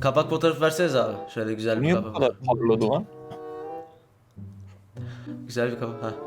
Kapak fotoğrafı verseniz abi. Şöyle güzel bir Niye bu kapak. kadar parladı lan? Güzel bir kapak. Ha.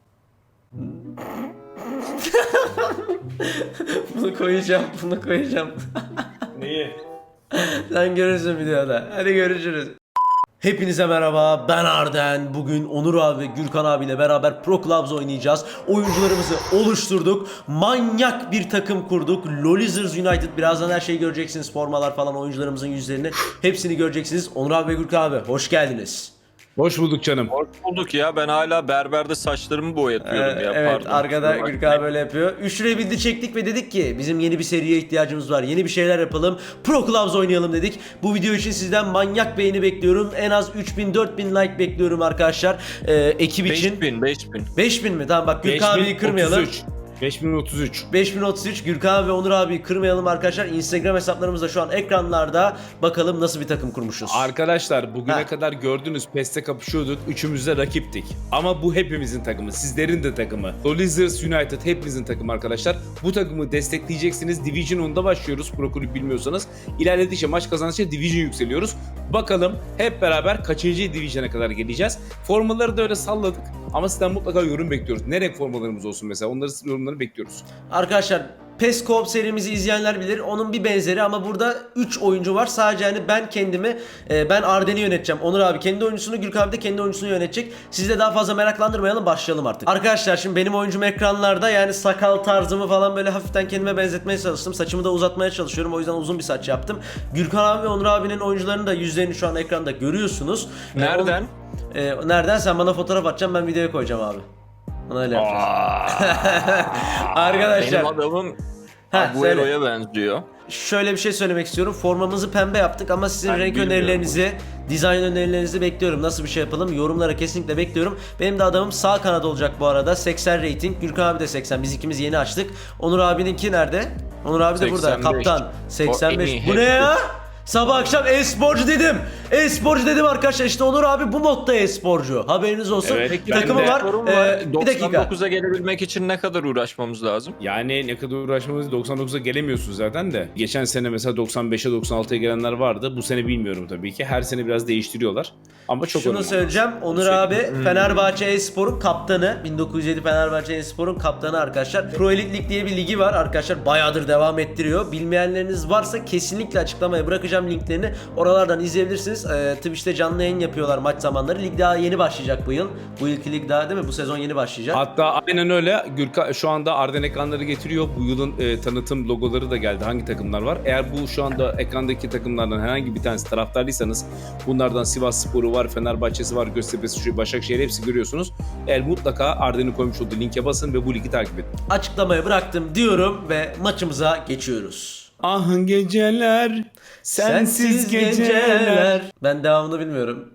Bunu koyacağım, bunu koyacağım. Neyi? Sen görürsün videoda. Hadi görüşürüz. Hepinize merhaba, ben Arden. Bugün Onur abi ve Gürkan abiyle beraber Pro Clubs oynayacağız. Oyuncularımızı oluşturduk. Manyak bir takım kurduk. Lolizers United. Birazdan her şeyi göreceksiniz. Formalar falan, oyuncularımızın yüzlerini. Hepsini göreceksiniz. Onur abi ve Gürkan abi hoş geldiniz. Hoş bulduk canım. Hoş bulduk ya, ben hala berberde saçlarımı boyatıyorum ya. Evet, Pardon. arkada Gürkan abi böyle yapıyor. 3 liraya bildi çektik ve dedik ki bizim yeni bir seriye ihtiyacımız var. Yeni bir şeyler yapalım. Pro Clubs oynayalım dedik. Bu video için sizden manyak beğeni bekliyorum. En az 3000-4000 like bekliyorum arkadaşlar. Ekip için. 5000. 5000 mi? Tamam bak Gürkan abiyi kırmayalım. 5033. 5033 Gürkan ve Onur abiyi kırmayalım arkadaşlar. Instagram hesaplarımız da şu an ekranlarda. Bakalım nasıl bir takım kurmuşuz. Arkadaşlar bugüne kadar gördünüz PES'te kapışıyorduk. Üçümüz de rakiptik. Ama bu hepimizin takımı. Sizlerin de takımı. Lolizers United hepimizin takımı arkadaşlar. Bu takımı destekleyeceksiniz. Division 10'da başlıyoruz. Pro kulüp bilmiyorsanız. İlerledikçe maç kazandıkça Division yükseliyoruz. Bakalım hep beraber kaçıncı Division'a kadar geleceğiz. Formaları da öyle salladık. Ama sizden mutlaka yorum bekliyoruz. Ne renk formalarımız olsun mesela? Onları yorumları bekliyoruz. Arkadaşlar PES Co-op serimizi izleyenler bilir. Onun bir benzeri ama burada 3 oyuncu var. Sadece hani ben kendimi, ben Arden'i yöneteceğim. Onur abi kendi oyuncusunu, Gürkan abi de kendi oyuncusunu yönetecek. Sizi de daha fazla meraklandırmayalım, başlayalım artık. Arkadaşlar şimdi benim oyuncum ekranlarda, yani sakal tarzımı falan böyle hafiften kendime benzetmeye çalıştım. Saçımı da uzatmaya çalışıyorum. O yüzden uzun bir saç yaptım. Gürkan abi ve Onur abinin oyuncularının da yüzlerini şu an ekranda görüyorsunuz. Nereden? Nereden? Sen bana fotoğraf atacaksın, ben videoya koyacağım abi. Ona öyle yapacağız. Arkadaşlar. Benim adamım Agüero'ya benziyor. Şöyle bir şey söylemek istiyorum. Formamızı pembe yaptık ama sizin Ben renk bilmiyorum önerilerinizi, dizayn önerilerinizi bekliyorum. Nasıl bir şey yapalım? Yorumlara kesinlikle bekliyorum. Benim de adamım sağ kanat olacak bu arada. 80 rating. Gürkan abi de 80. Biz ikimiz yeni açtık. Onur abininki nerede? Onur abi de burada. 85. Kaptan. 85. Bu ne hepsi. ya? Sabah akşam e-sporcu dedim. E-sporcu dedim arkadaşlar. İşte Onur abi bu modda e-sporcu. Haberiniz olsun. Evet, Takımı ben de. var. Bir dakika. 99'a gelebilmek için ne kadar uğraşmamız lazım? Yani ne kadar uğraşmamız 99'a gelemiyorsun zaten de. Geçen sene mesela 95'e 96'ya gelenler vardı. Bu sene bilmiyorum tabii ki. Her sene biraz değiştiriyorlar. Ama çok Şunu önemli. söyleyeceğim. Onur abi Fenerbahçe Espor'un kaptanı. 1907 Fenerbahçe Espor'un kaptanı arkadaşlar. Pro Elite Lig diye bir ligi var arkadaşlar. Bayağıdır devam ettiriyor. Bilmeyenleriniz varsa kesinlikle açıklamaya bırakacağım linklerini. Oralardan izleyebilirsiniz. Twitch'te canlı yayın yapıyorlar maç zamanları. Lig daha yeni başlayacak bu yıl. Bu yılki lig daha değil mi? Bu sezon yeni başlayacak. Hatta aynen öyle. Gürkan şu anda Arden ekranları getiriyor. Bu yılın tanıtım logoları da geldi. Hangi takımlar var? Eğer bu şu anda ekrandaki takımlardan herhangi bir tanesi taraftarlıysanız, bunlardan Sivasspor'u var, Fenerbahçe'si var, Göztepe'si, Başakşehir, hepsi görüyorsunuz. Eğer mutlaka Arden'in koymuş olduğu linke basın ve bu ligi takip edin. Açıklamaya bıraktım diyorum ve maçımıza geçiyoruz. Ah geceler, sensiz geceler, Ben devamını bilmiyorum.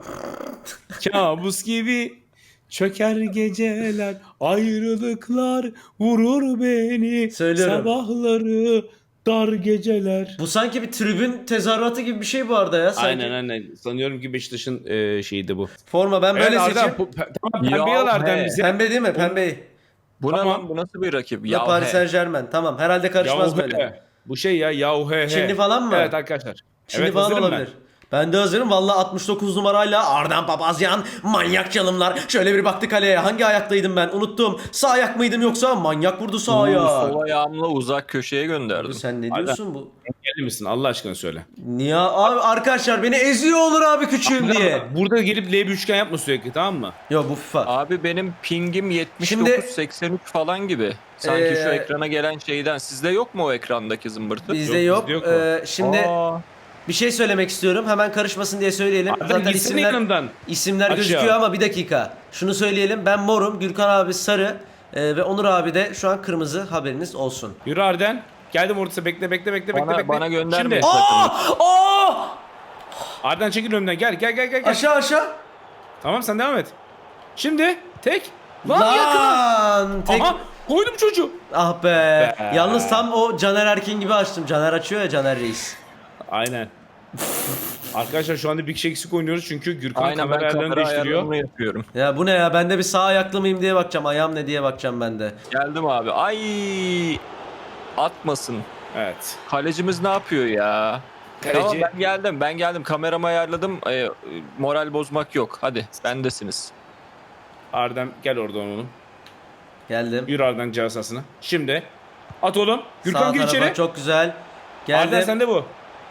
kabus gibi çöker geceler, ayrılıklar vurur beni, Söylüyorum. sabahları dar geceler. Bu sanki bir tribün tezahüratı gibi bir şey bu arada ya. Sanki. Aynen. Sanıyorum ki Beşiktaş'ın şeyiydi bu. Forma ben böyle Arden, seçeyim. tamam pembe Ya al Arden he. bize. Pembe değil mi? Pembeyi. Bu ne Tamam. lan? Bu nasıl bir rakip? Ya Paris Saint Germain. Tamam. Herhalde karışmaz Yahu böyle. he. Bu şey ya yahu he he. Çinli falan mı? Evet arkadaşlar. Çinli evet, falan hazırım olabilir. Ben de hazırım. Valla 69 numarayla Arden Papazyan manyak çalımlar. Şöyle bir baktı kaleye. Hangi ayaktaydım ben? Unuttum. Sağ ayak mıydım yoksa? Manyak vurdu sağ Ben. ayağı. Sol ayağımla uzak köşeye gönderdim. Sen ne Arden. diyorsun bu? Gelir misin Allah aşkına söyle. Niye abi arkadaşlar beni eziyor olur abi küçüğüm diye. Burada gelip L bir üçgen yapma sürekli, tamam mı? Yo bu FIFA. Abi benim pingim 79 Şimdi- 83 falan gibi. Sanki şu ekrana gelen şeyden. Sizde yok mu o ekrandaki zımbırtı? Bizde Yok, yok. bizde yok o. Şimdi Aa, bir şey söylemek istiyorum. Hemen karışmasın diye söyleyelim. Arden Zaten gitsene yanımdan. isimler Aşağı. gözüküyor ama bir dakika. Şunu söyleyelim. Ben morum, Gürkan abi sarı ve Onur abi de şu an kırmızı, haberiniz olsun. Yürü Arden. Geldim ortası, bekle. bana göndermeyin Şimdi takımı. Aa! Arden çekil önümden, gel. Aşağı. Tamam sen devam et. Şimdi tek. Lan yakın. Lan! Tek... Aha koydum çocuğu. Ah be. Yalnız tam o Caner Erkin gibi açtım. Caner açıyor ya, Caner Reis. Aynen. Arkadaşlar şu anda bir kişi eksik oynuyoruz çünkü Gürkan Aynen, kamera ben ayarlarını kamera değiştiriyor. ayarlarını yapıyorum. Ya bu ne ya? Ben de bir sağ ayaklı mıyım diye bakacağım. Ayağım ne diye bakacağım ben de. Geldim abi. Ay, atmasın. Evet. Kalecimiz ne yapıyor ya? Tamam Kaleci ben geldim. Kameramı ayarladım. Moral bozmak yok. Hadi bendesiniz. Arden gel oradan oğlum. Geldim. Yürü Arden cihaz sahasına. Şimdi at oğlum. Gürkan Sağ gir tarafa içeri. çok güzel. Geldim. Arden sende bu.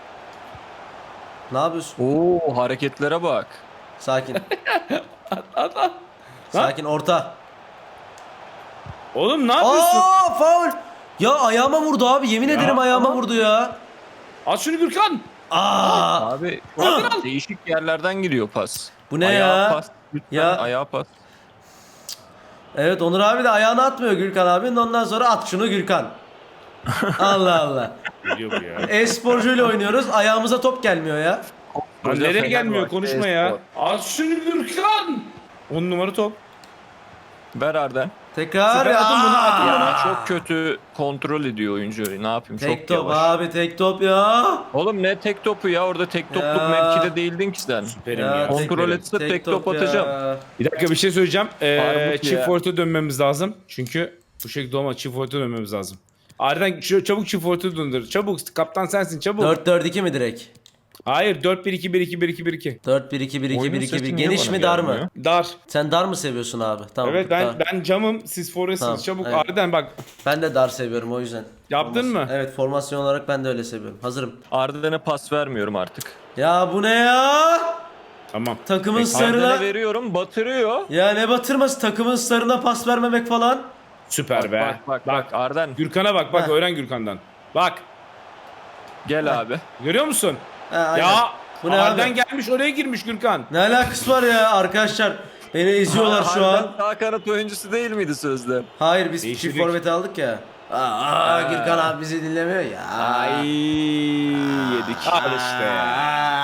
Ne yapıyorsun? Oo hareketlere bak. Sakin. At. Sakin orta. Oğlum ne yapıyorsun? Aa faul. Ya ayağıma vurdu abi. Yemin ederim ayağıma vurdu ya. At şunu Gürkan. Aa. Abi değişik yerlerden giriyor pas. Bu ne Ayağa ya? pas. Lütfen Ya. ayağa pas. Evet Onur abi de ayağını atmıyor Gürkan abinin. Ondan sonra at şunu Gürkan. Allah Allah. Geliyor bu ya. E-sporcuyla oynuyoruz. Ayağımıza top gelmiyor ya. Lan Hoca nereye Fenerbahçe gelmiyor konuşma ya. e-spor. At şunu Gürkan. 10 numara top. Ver Arden. Tekrar. Süper, atın bunu, atın Aa! Ya çok kötü kontrol ediyor oyuncu. Ne yapayım? Tek çok top yavaş. abi tek top ya. Oğlum ne tek topu ya? Orada tek topluk Ya. mevkide değildin ki sen. Süperim ya. Kontrol süperim. etse tek top ya. atacağım. Bir dakika bir şey söyleyeceğim. Armut Çift ya. forte dönmemiz lazım. Çünkü bu şekilde olmaz. Çift forte dönmemiz lazım. Arden çabuk çift forte döndür. Çabuk kaptan sensin çabuk. 4-4-2 mi direkt? Hayır 4-1-2-1-2-1-2-1-2. 4-1-2-1-2-1-2. Oyunun sesi niye Geniş bana mi dar mı? gelmiyor? Dar. Sen dar mı seviyorsun abi? Tamam. Evet dar. ben camım siz forresiniz Tamam, çabuk. evet. Arden bak Ben de dar seviyorum o yüzden. yaptın mı? Evet formasyon olarak ben de öyle seviyorum. Hazırım. Arden'e pas vermiyorum artık. Ya bu ne ya? Tamam. Takımın Arden'e sarına... veriyorum batırıyor. Ya ne batırması takımın sarına pas vermemek falan. Süper be. Bak Arden Arden bak Heh. öğren Gürkan'dan. Bak gel abi. görüyor musun? Ha, aynen. Ya Bu ne Arden abi? gelmiş oraya girmiş Gürkan. Ne alakası var ya arkadaşlar? Beni izliyorlar şu Arden an. sağ kanat oyuncusu değil miydi sözde? Hayır biz Değiştirdik. çift forveti aldık ya. Gürkan abi bizi dinlemiyor ya. Ay yedik. Al işte ya.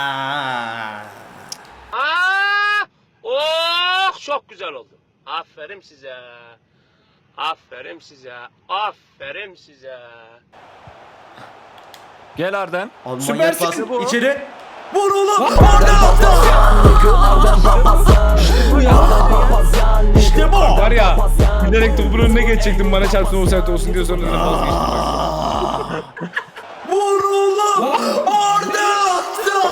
Oh çok güzel oldu. Aferin size. Aferin size. Aferin size. Gel Arden. Abi Süpersin manyak pas. bu. İçeri. Vur oğlum. Orada attı. İşte bu. Var ya bilerek topun önüne geçecektim bana çarpsın offside olsun diye sonra dedim vazgeçtim. Vur oğlum. Orada attı.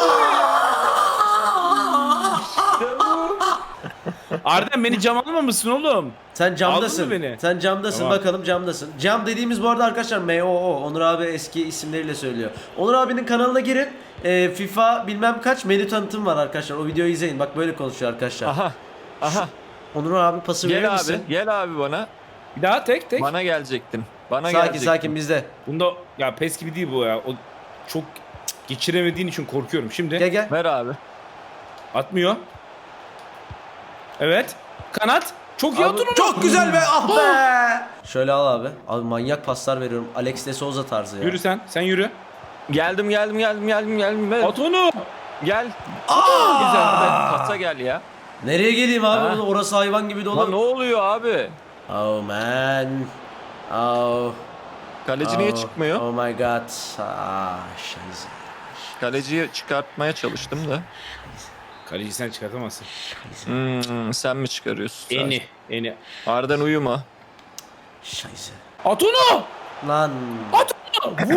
Arden beni cam almamışsın oğlum. Sen camdasın. Aldın mı beni? Sen camdasın Tamam. bakalım camdasın. Cam dediğimiz bu arada arkadaşlar MOO. Onur abi eski isimleriyle söylüyor. Onur abinin kanalına girin. FIFA bilmem kaç menü tanıtım var arkadaşlar. O videoyu izleyin. Bak böyle konuşuyor arkadaşlar. Aha. Onur abi pası verir Gel misin? abi. Gel abi bana. Bir daha tek. Bana gelecektin. Bana Sakin gelecektin. sakin bizde. Bunda ya pes gibi değil bu ya. O çok geçiremediğin için korkuyorum. Şimdi Gel gel. Ver abi. atmıyor. Evet. Kanat. Çok iyi Abi, atın onu. çok güzel be ah be. Şöyle al abi. Abi manyak paslar veriyorum. Alex de Souza tarzı ya. Yürü sen. Sen yürü. Geldim. Ver. At onu. Gel. Güzel. Pasa gel ya. Nereye geleyim abi? Ha? Orası hayvan gibi Lan ne dolu. oluyor abi? Oh man. Oh. Kaleci niye çıkmıyor? Oh my god. Scheiße. Kaleciyi çıkartmaya çalıştım da. Kaleci sen çıkartamazsın. Sen mi çıkarıyorsun? Eni. Arden uyuma. Scheiße. At onu. Lan. At onu.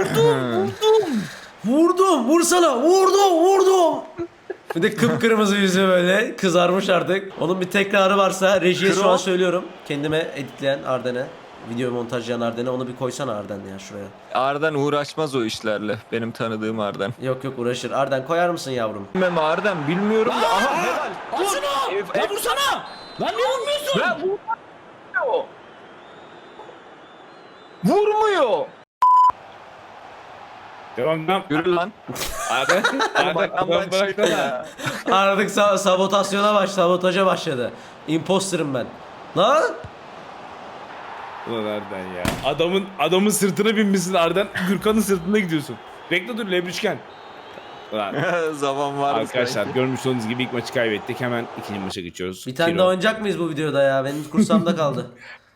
Vurdum. Vursana. Vurdum. Bir de kıpkırmızı yüzü böyle kızarmış artık. Onun bir tekrarı varsa rejiye şu an söylüyorum. Kendime editleyen Arden'e, video montajlayan Arden'e onu bir koysana Arden ya şuraya. Arden uğraşmaz o işlerle. Benim tanıdığım Arden. Yok uğraşır. Arden koyar mısın yavrum? Bilmem Arden bilmiyorum da. Aha helal. At şunu. Ya vursana. Lan niye vurmuyorsun? Ben vurmuyor. Vurmuyor. Devam. Yürü lan. Arden. Bak lan çıktı ya. Artık sabotaja başladı. Imposter'ım ben. Lan? Ulan Arden ya. Adamın sırtına binmişsin Arden. Gürkan'ın sırtında gidiyorsun. Bekle dur Lebrüşken. Ulan. Zaman var. Arkadaşlar görmüş olduğunuz gibi ilk maçı kaybettik. Hemen ikinci maça geçiyoruz. Bir tane Kilo. daha oynayacak mıyız bu videoda ya? Benim kursamda kaldı.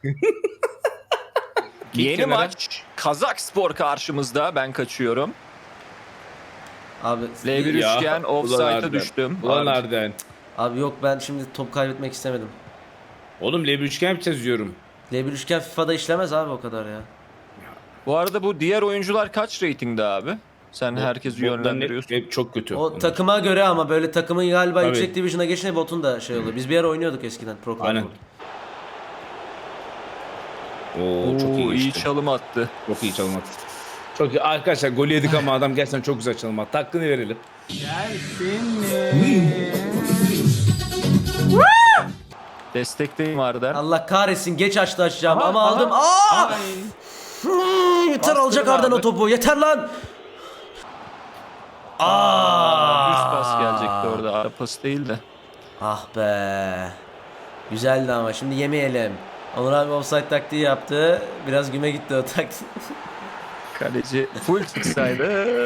Yeni kenara. maç. Kazakspor karşımızda. Ben kaçıyorum. Abi L1 Ya, üçgen ulan offside'a Arden. düştüm. Ulan Abi, Arden. Abi yok ben şimdi top kaybetmek istemedim. Oğlum L1 üçgen yapacağız diyorum. L1 üçgen FIFA'da işlemez abi o kadar ya. Bu arada bu diğer oyuncular kaç ratingde abi? Sen herkesi Botların yönlendiriyorsun. hep çok kötü. O onlar. takıma göre ama böyle takımın galiba Tabii. yüksek division'a geçince botun da şey oluyor. Biz bir ara oynuyorduk eskiden Pro Club. Aynen. Oo, çok iyi iyi geçti. çalım attı. Çok iyi çalım attı. Çok iyi. Arkadaşlar golü yedik ama adam gerçekten çok güzel çalım attı. Hakkını verelim. Destekteyim Arden. Allah kahretsin geç açtı açacağım Aha, ama aha. aldım. Yeter Bastırın alacak Arden abi. o topu. Yeter lan. Düz pas gelecekti orada. Ara pas değil de. Ah be. Güzeldi ama şimdi yemeyelim. Onur abi offside taktiği yaptı. Biraz güme gitti o taktik. Kaleci full çıksaydı.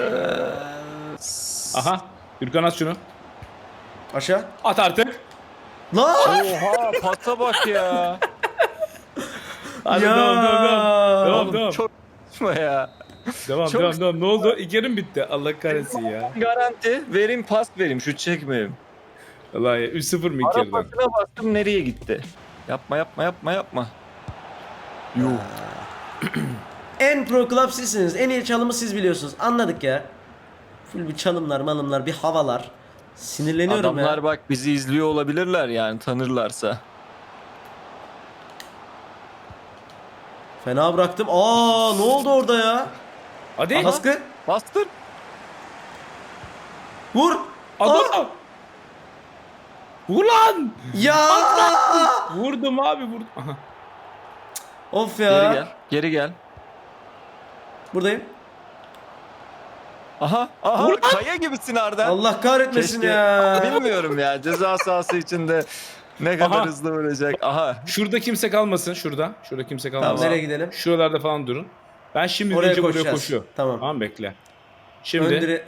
Aha. Gürkan at şunu. Aşağı. At artık. Lan! Oha pasa bak ya. Hadi Ya! devam. Devam Oğlum devam. çok saçma ya. Devam çok- devam. Ne oldu? İlk yarım bitti. Allah kahretsin ya. Garanti vereyim pas vereyim şut çekmeyeyim. Vallahi 3-0 mı ilk Ara yarıdan? pasına bastım nereye gitti? Yapma. Yuh. En pro club sizsiniz. En iyi çalımı siz biliyorsunuz. Anladık ya. Full bir çalımlar, malımlar, bir havalar. Sinirleniyorum Adamlar ya. bak bizi izliyor olabilirler yani tanırlarsa. Fena bıraktım. Aa, ne oldu orada ya? Hadi. Baskı. Bastır. Vur. Adam. Vur lan. Ya. Vurdum abi vurdum. Aha. Of Geri ya. gel. Geri gel. Buradayım. Aha. Kaya gibisin Arda. Allah kahretmesin Keşke- ya. Bilmiyorum ya ceza sahası içinde ne kadar Aha. hızlı vuracak. Aha. Şurada kimse kalmasın. Şurada. Şurada kimse Tamam, kalmasın. nereye gidelim? Şuralarda falan durun. Ben şimdi Oraya deyince buraya koşacağız. koşuyor. Tamam. Tamam bekle. Şimdi Öndüre...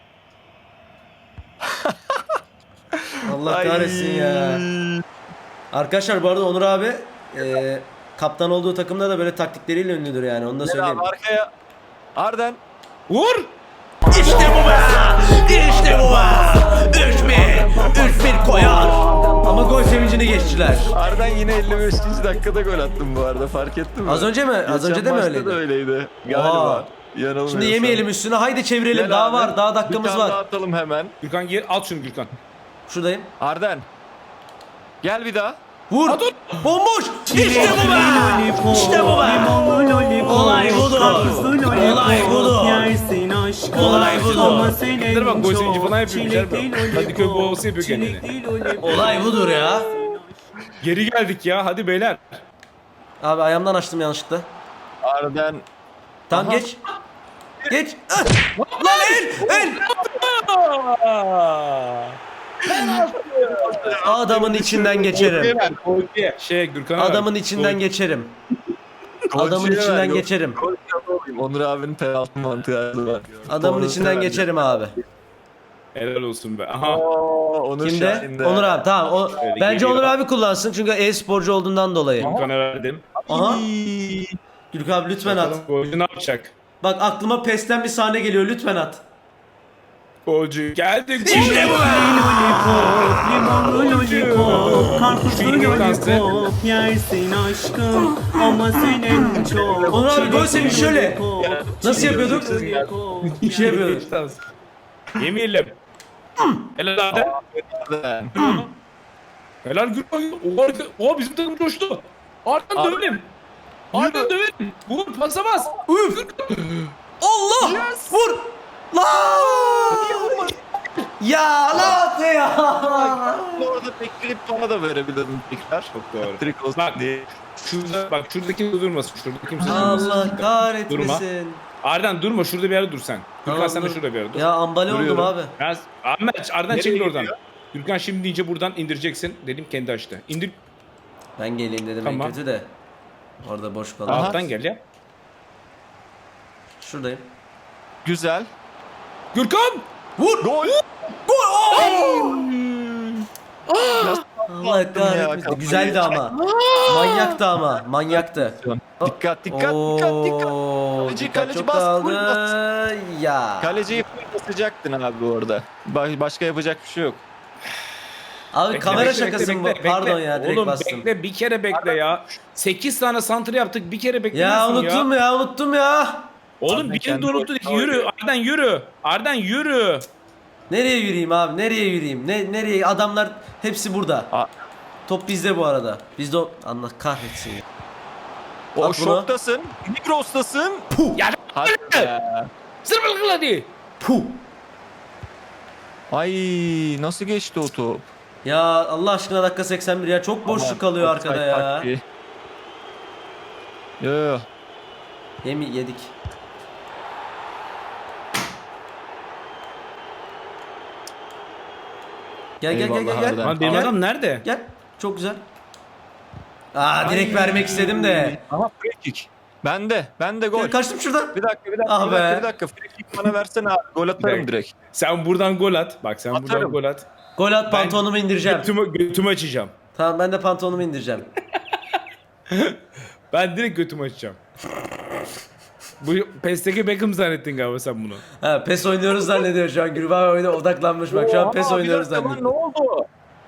Allah Ay. kahretsin ya. Arkadaşlar bu arada Onur abi kaptan olduğu takımda da böyle taktikleriyle ünlüdür yani onu da Gel söyleyeyim. abi arkaya. Arden. vur. İşte bu be! İşte bu be! 3-1 koyar. Ama gol sevincini geçtiler. Arden yine 55. dakikada gol attın bu arada fark ettin mi? Az önce mi? Az Geçen önce de mi maçta öyleydi? da öyleydi. Galiba. Yanılmıyorsam. Şimdi yemeyelim üstüne. Haydi çevirelim. Gel Daha abi. var. Daha dakikamız Bir tane var. daha atalım hemen. Gürkan gel al şunu Gürkan. Şuradayım. Arden. Gel bir daha. Vur. Bomboş. İşte bu be! İşte bu be! Olay budur. Olay budur. Olay budur. Kendileri bak gol sevinci falan yapıyor. Kadıköy boğası yapıyor kendini. Olay budur ya. Geri geldik ya hadi beyler. Abi ayağımdan açtım yanlışlıkla. Arden. Tamam Aha. geç. Geç. Ah! Lan el! Adamın içinden geçerim. Şey Gürkan'a ver. Adamın içinden geçerim. Adamın Golcüye içinden ver, yok. geçerim. Gol yapalım. Onur abinin penaltı mantığı var. Adamın içinden geçerim abi. Helal olsun be. Aha. Onur Kimde? Şahin'de. Onur abi tamam. O, Öyle bence geliyor. Onur abi kullansın çünkü e-sporcu olduğundan dolayı. Gürkan'a verdim. Aha. Gürkan abi lütfen at. Bakalım golcü ne yapacak? Bak aklıma PES'ten bir sahne geliyor lütfen at. Golcü geldik. İşte bu be! Şu dansı. Yersin aşkım ama senin çok. Onur abi gol sevinci şöyle. Nasıl yapıyorduk? Şey yapıyorduk. Yemeyelim. Helal abi. Arden. Helal Gürkan. O bizim takım coştu. Arkadan dövelim. Arkadan dövelim. Vur pasa bas. Üf! Allah! Vur! Lan! Ya lan ya! Orada bekleyip bana da verebilirim tekrar. Çok doğru. Trik olsun Bak. diye. Şurada kimse durmasın. Şurada kimse durmasın. Allah kahretmesin. Arden durma şurada bir yerde dur sen. Gürkan Tamam, sen de dur. şurada bir yerde dur. Ya ambale oldum Duruyorum. abi. Ahmet Arden Nereye çekil oradan. gidiyor? Gürkan şimdi deyince buradan indireceksin. Dedim kendi açtı. İndir. Ben geleyim dedim Tamam. en kötü de. Orada boş kaldı. Aha. Alttan gel ya. Şuradayım. Güzel. Gürkan! Vur! Gol. Allah kahretmesin. Güzeldi ama. Manyaktı ama. Manyaktı. Dikkat dikkat dikkat. Oo, Kaleci, dikkat kaleci çok bas, dağıldı. bas. Ya. Kaleciyi full basacaktın abi orada. Başka yapacak bir şey yok. Abi Bekle, kamera bekle, şakası bekle, mı? bekle, Pardon bekle. ya direkt Oğlum bastım. bekle bir kere bekle ya. 8 tane santrı yaptık bir kere Ya beklemiyorsun unuttum ya unuttum ya. Oğlum Arden birini kendi de unuttun. oyunu Yürü Arden yürü. Arden yürü. Nereye yürüyeyim abi? Nereye yürüyeyim? Nereye? Adamlar hepsi burada. Aa. Top bizde bu arada. Bizde Allah kahretsin ya. O At bunu. şoktasın. Migros'tasın. Ya Hadi be. zırbıl hadi. Puh. Ay nasıl geçti o top? Ya Allah aşkına dakika 81 ya. Çok boşluk kalıyor Offside arkada ya. taktiği. Yo. Yedik. Gel gel gel Eyvallah gel gel. Arden. Lan benim Gel. adam nerede? Gel. Çok güzel. Direkt vermek istedim de. Aha free kick. Bende gol. Gel, kaçtım şuradan. Bir dakika. Ah bir dakika, be. bir dakika. Free kick bana versene abi. Gol atarım direkt. Sen buradan gol at. Bak sen buradan Atarım. gol at. Gol at, pantolonumu indireceğim. Götümü açacağım. Tamam, ben de pantolonumu indireceğim. Ben direkt götümü açacağım. Bu PES'teki Beckham zannettin galiba sen bunu. Ha, PES oynuyoruz zannediyor şu an. Gülbağ oyuna odaklanmış bak. Şu an PES Oha, bir oynuyoruz dakika lan, zannediyor. Ne oldu?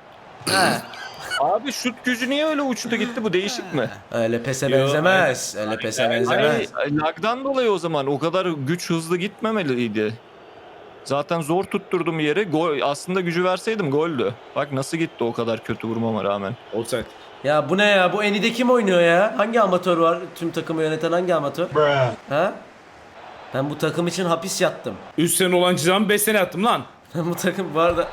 Ha. Abi şut gücü niye öyle uçtu gitti, bu değişik mi? Öyle PES'e Yo, benzemez. Öyle PES'e benzemez. Ay, lagdan dolayı o zaman o kadar güç hızlı gitmemeliydi. Zaten zor tutturdum yeri. Gol, aslında gücü verseydim goldü. Bak nasıl gitti o kadar kötü vurmama rağmen. Offside. Ya bu ne ya? Bu Eni'de kim oynuyor ya? Hangi amatör var? Tüm takımı yöneten hangi amatör? Ha? Ben bu takım için hapis yattım. 3 sene olan cezamı 5 sene attım lan. Ben bu takım bu arada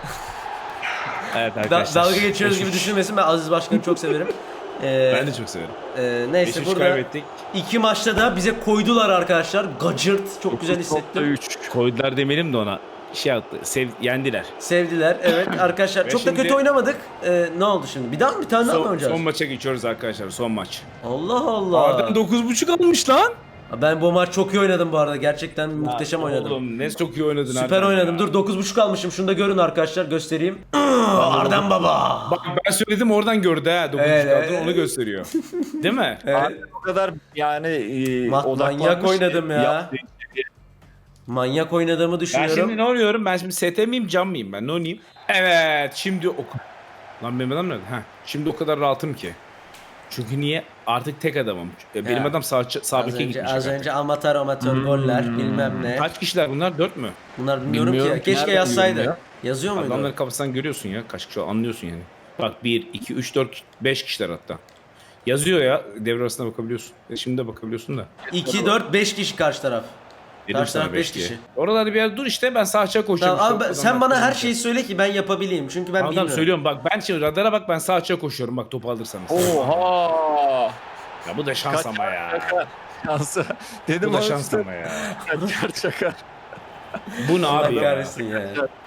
Evet arkadaşlar. dalga geçiyoruz gibi düşünmesin. Ben Aziz Başkan'ı çok severim. Ben de çok severim. Neyse 5-3 burada kaybettik. 2 maçta da bize koydular arkadaşlar. Gacırt. Çok güzel hissettim. 3. Koydular demeyelim de ona. Şey yaptı. Yendiler. Sevdiler. Evet arkadaşlar. Ve Çok da kötü şimdi- oynamadık. Ne oldu şimdi? Bir tane daha mı oynayacağız? Son maça geçiyoruz arkadaşlar. Son maç. Allah Allah. Arden 9.5 almış lan. Ben bu maç çok iyi oynadım bu arada. Gerçekten muhteşem oynadım. Oğlum ne çok iyi oynadın Süper Arden oynadım. ya. Dur 9.5 almışım. Şunu da görün arkadaşlar. Göstereyim. Arden baba. Bak ben söyledim oradan gördü ha. 9.5 Evet, aldın onu gösteriyor. Değil mi? Abi o kadar yani odaklanmış manyak oynadım ya. yaptığı şey. Manyak oynadığımı Ben düşünüyorum. şimdi ne oynuyorum? Ben şimdi ST miyim, cam mıyım ben? Ne oynayayım? Evet, şimdi Lan benim adam nerede? Ha, şimdi o kadar rahatım ki. Çünkü niye? Artık tek adamım. Benim Ya. adam sağ beke gitmiş. Az önce amatör goller bilmem ne. Kaç kişiler bunlar? 4 mü? Bunlar bilmiyorum Bilmiyorum ki. ki. Keşke Nerede yazsaydı. bilmiyorum Yazıyor muydu? Adamların kafasından görüyorsun ya. Kaç kişi anlıyorsun yani. Bak 1, 2, 3, 4, 5 kişiler hatta. Yazıyor ya. Devre arasında bakabiliyorsun. Şimdi de bakabiliyorsun da. 2, 4, 5 kişi karşı taraf. Dedim Karşı sana taraf 5 5 kişi. Oralarda bir yer dur işte ben sağ açığa koşuyorum. Tamam, abi, İşte o sen adamlar bana her kazanacak. şeyi söyle ki ben yapabileyim. Çünkü ben Adam bilmiyorum. söylüyorum bak ben şimdi radara bak ben sağ açığa koşuyorum bak topu alırsanız. Oha! Ya bu da şans Kaç- ama ya. Şansı. Dedim Bu da oğlum şans işte. ama ya. Çakar. Bu ne Allah abi ya? kahretsin ya.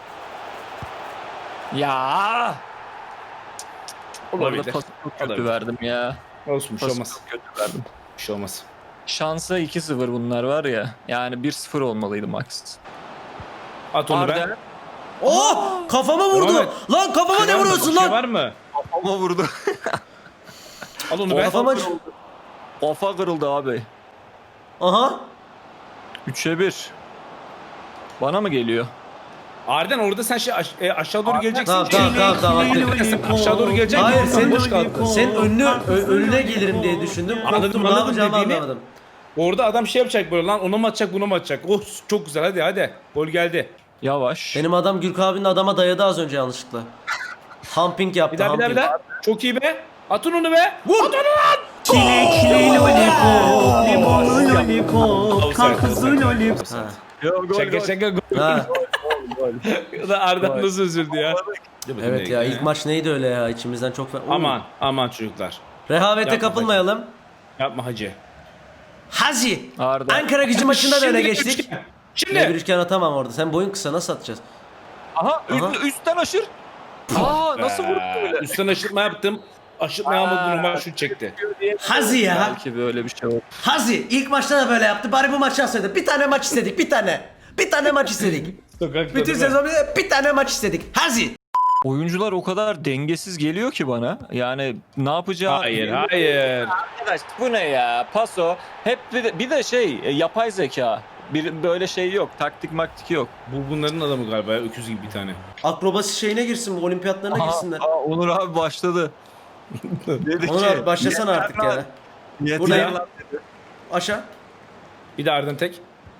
Ya. Orada Olabilir. pası çok kötü Olabilir. verdim ya. Olsun bir şey Pası olmaz. çok kötü verdim. Bir şey olmaz. Şansa 2-0 bunlar var ya. Yani 1-0 olmalıydı max. At onu Arden ben. Oh! Kafama vurdu. Devam et. Lan kafama ne vuruyorsun Bir şey lan? var mı? ama vurdu. Al onu ben. Kafama... Ofa kırıldı abi. Aha. 3'e 1. Bana mı geliyor? Arden orada sen şey aşağı doğru geleceksin. Tamam. Aşağı doğru geleceksin. Hayır, Sen senin- boş kaldın. Sen önüne gelirim diye düşündüm. Korktum, ne anladım yapacağımı dediğini. anlamadım. Orada adam şey yapacak böyle lan ona mı atacak buna mı atacak. Oh çok güzel hadi. Gol geldi. Yavaş. Benim adam Gürk abinin adama dayadı az önce yanlışlıkla. Humping yaptı. Bir daha. Çok iyi be. Atın onu be. Vur. At onu lan. Çilekli lollipop, limonlu lollipop, karpuzlu lollipop. Ha. Yo, gol, Şaka gol. Ha. Da Arden nasıl üzüldü ya. Evet ya, ilk maç neydi öyle ya, içimizden çok... Aman çocuklar. Rehavete Yapma kapılmayalım. Yapma hacı. Hazi. Arda. Ankara Gücü maçında da öne Şimdi geçtik. üçgen. Ne bir Şimdi. üçgen atamam orada. Sen boyun kısa, nasıl atacağız? Aha, üstten aşır. Aa, nasıl vurdu böyle? Üstten aşırtma yaptım. Aşırtma yapmadı normal şut çekti. Hazi ya. Belki böyle bir şey olur. Hazi ilk maçta da böyle yaptı. Bari bu maçı alsaydı. Bir tane maç istedik, bir tane. Bir tane maç istedik. Sokakta Bütün sezon bir tane maç istedik. Hazi. Oyuncular o kadar dengesiz geliyor ki bana. Yani ne yapacağı... Hayır. Arkadaş bu ne ya? Paso. Hep bir de şey yapay zeka. Bir böyle şey yok. Taktik maktik yok. Bunların adamı galiba ya, öküz gibi bir tane. Akrobasi şeyine girsin, bu olimpiyatlarına girsinler. Onur abi başladı. Dedi Onur abi başlasana artık ya. Yeter Buradayım. lan. Aşağı. Bir de Arden tek.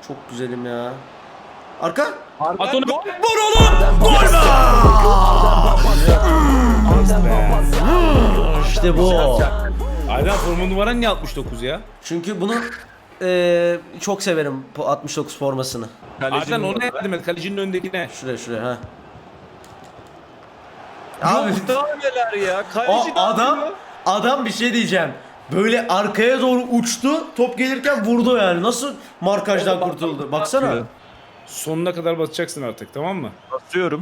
Çok güzelim ya. Arka. At onu. Vur oğlum. Gol be. İşte bu. Aynen forma numaran niye 69 ya? Çünkü bunu çok severim bu 69 formasını. Aynen onu yardım et. Kalecinin önündekine. Şuraya ha. Abi Abi daha neler ya. Kaleci de adam bir şey diyeceğim. Böyle arkaya doğru uçtu. Top gelirken vurdu yani. Nasıl markajdan kurtuldu? Baksana. Sonuna kadar basacaksın artık, tamam mı? basıyorum.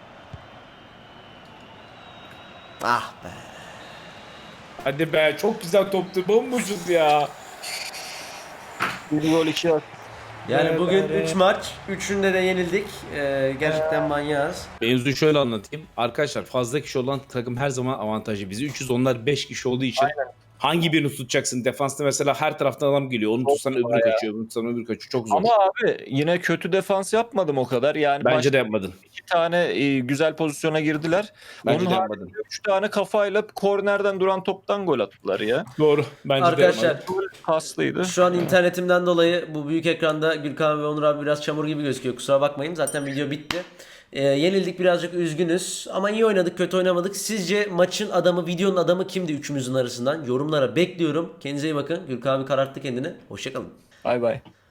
Ah be. Hadi be, çok güzel toptu. Bombocuz ya. Bir gol 2 at. Yani Evet, bugün evet. 3 maç. 3'ünde de yenildik. Gerçekten manyağız. Mevzuyu şöyle anlatayım. Arkadaşlar fazla kişi olan takım her zaman avantajlı. Bizi 300, onlar 5 kişi olduğu için hangi birini tutacaksın? Defansta mesela her taraftan adam geliyor. Onu tutsan öbürü kaçıyor. Onu tutsan öbürü kaçıyor. Çok zor. Ama abi yine kötü defans yapmadım o kadar. Yani Bence başta de yapmadın. 2 tane güzel pozisyona girdiler. Bence Onun de haricinde yapmadın. 3 tane kafayla kornerden duran toptan gol attılar ya. Doğru. Bence Arkadaşlar, de yapmadın. Kaslıydı. Şu an internetimden dolayı bu büyük ekranda Gürkan ve Onur abi biraz çamur gibi gözüküyor. Kusura bakmayın. Zaten video bitti. Yenildik, birazcık üzgünüz. Ama iyi oynadık, kötü oynamadık. Sizce maçın adamı, videonun adamı kimdi üçümüzün arasından? Yorumlara bekliyorum. Kendinize iyi bakın. Gürkan abi kararttı kendini. Hoşçakalın. Bay bay.